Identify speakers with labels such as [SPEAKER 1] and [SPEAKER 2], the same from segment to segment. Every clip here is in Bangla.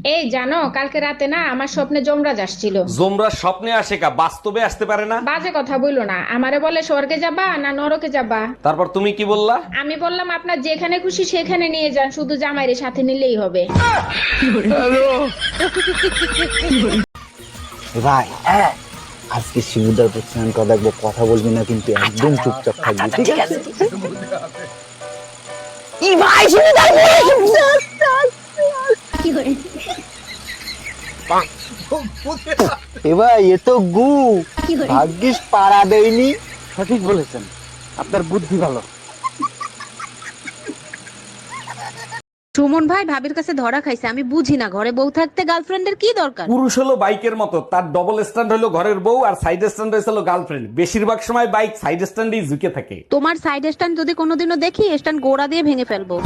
[SPEAKER 1] এই জানো, কালকে রাতে না আমার স্বপ্নে যমরাজ আসছিল।
[SPEAKER 2] জোমরা স্বপ্নে আসে কা বাস্তবে আসতে পারে না?
[SPEAKER 1] বাজে কথা বইলো না, আমারে বলে স্বর্গে যাবা না নরকে যাবা।
[SPEAKER 2] তারপর তুমি কি বললা?
[SPEAKER 1] আমি বললাম আপনার যেখানে খুশি সেখানে নিয়ে যান, শুধু জামাইরে সাথে নিলেই হবে।
[SPEAKER 3] ভাই আজকে শিবুদার প্রতিষ্ঠান কথা দেখবো, কথা বলবি না কিন্তু একদম চুপচাপ থাকবি, ঠিক আছে? ই ভাই শিবুদার এবার এ তো গু ভাগ্যিস পাড়া দেয়নি। সঠিক বলেছেন, আপনার বুদ্ধি ভালো।
[SPEAKER 4] সুমন ভাই ভাবির কাছে ধরা খাইছে, আমি বুঝি না ঘরে বউ থাকতে গার্লফ্রেন্ডের কি দরকার।
[SPEAKER 2] পুরুষ হলো বাইকের মতো, তার ডবল স্ট্যান্ড হলো ঘরের বউ আর সাইড স্ট্যান্ড হলো গার্লফ্রেন্ড। বেশিরভাগ সময় বাইক সাইড স্ট্যান্ডেই ঝুঁকে থাকে।
[SPEAKER 4] তোমার সাইড স্ট্যান্ড যদি কোনোদিনও দেখি, স্ট্যান্ড গোড়া দিয়ে ভেঙে ফেলবো।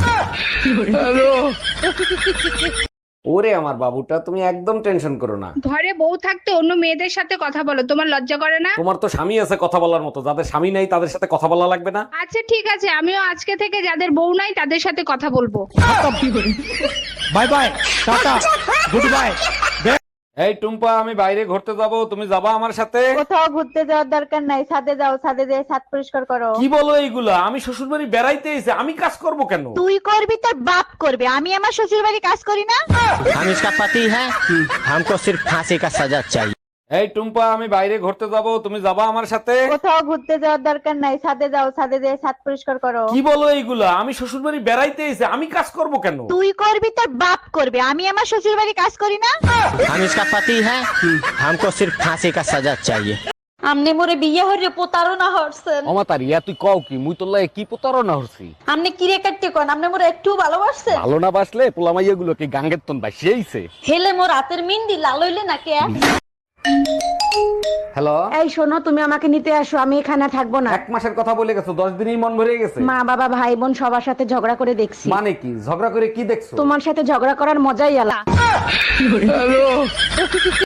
[SPEAKER 2] ওরে আমার বাবুটা, তুমি একদম টেনশন করো না।
[SPEAKER 5] ঘরে বউ থাকতে অন্য মেয়েদের সাথে কথা বলো, তোমার লজ্জা করে না?
[SPEAKER 2] তোমার তো স্বামী আছে কথা বলার মতো, যাদের স্বামী নাই তাদের সাথে কথা বলা লাগবে না?
[SPEAKER 5] আচ্ছা ঠিক আছে, আমিও আজকে থেকে যাদের বউ নাই তাদের সাথে কথা বলবো।
[SPEAKER 2] Bye bye, tata, good bye. এই টুম্পা, আমি বাইরে ঘুরতে যাব, তুমি যাবা আমার সাথে?
[SPEAKER 6] কোথাও ঘুরতে যাওয়ার দরকার নাই, ছাদে যাও, ছাদে যেয়ে ছাদ পরিষ্কার করো।
[SPEAKER 2] কি বলো এইগুলা? আমি শ্বশুর বাড়ি বেড়াইতে এসে আমি কাজ করব কেন?
[SPEAKER 6] তুই করবি, তোর বাপ করবে, আমি আমার শ্বশুর বাড়ি কাজ করি না।
[SPEAKER 7] हम इसका पति है, हमको सिर्फ फांसी का सजा चाहिए।
[SPEAKER 2] এই টুম্পা, আমি বাইরে ঘুরতে যাব, তুমি যাবা আমার সাথে?
[SPEAKER 6] কোথাও ঘুরতে যাওয়ার দরকার নাই, ছাদে যাও, ছাদে যেয়ে ছাদ পরিষ্কার করো।
[SPEAKER 2] কি বলো এইগুলা? আমি শ্বশুর বাড়ি বেড়াইতে এসে আমি কাজ করব কেন?
[SPEAKER 6] তুই করবি, তোর বাপ করবে, আমি আমার শ্বশুর বাড়ি কাজ করি না।
[SPEAKER 7] हम इसका पति है, हमको सिर्फ फांसी का सजा चाहिए।
[SPEAKER 8] আমনে মোরে বিয়ে হইরে প্রতারণা হরছেন।
[SPEAKER 2] অমাতার ইয়া তুই কও কি? মুই তোর লাগে কি প্রতারণা হচ্ছি?
[SPEAKER 8] আমনে কিরে কাটতে কোন, আমনে মোরে একটু ভালোবাসছেন?
[SPEAKER 2] ভালো না বাসলে পোলামাইয়া গুলো কি গাঙ্গের তন বাসিয়েছে?
[SPEAKER 8] হেলে মোর হাতের মিন্দি লাল হইলে না কে?
[SPEAKER 2] হ্যালো,
[SPEAKER 6] এই শোনো, তুমি আমাকে নিতে আসো, আমি এখানে থাকবো না।
[SPEAKER 2] 1 মাসের কথা বলে গেছো, 10 দিনই মন ভরে গেছে।
[SPEAKER 6] মা বাবা ভাই বোন সবার সাথে ঝগড়া করে দেখছি।
[SPEAKER 2] মানে কি ঝগড়া করে কি দেখছো?
[SPEAKER 6] তোমার সাথে ঝগড়া করার মজাই আলাদা।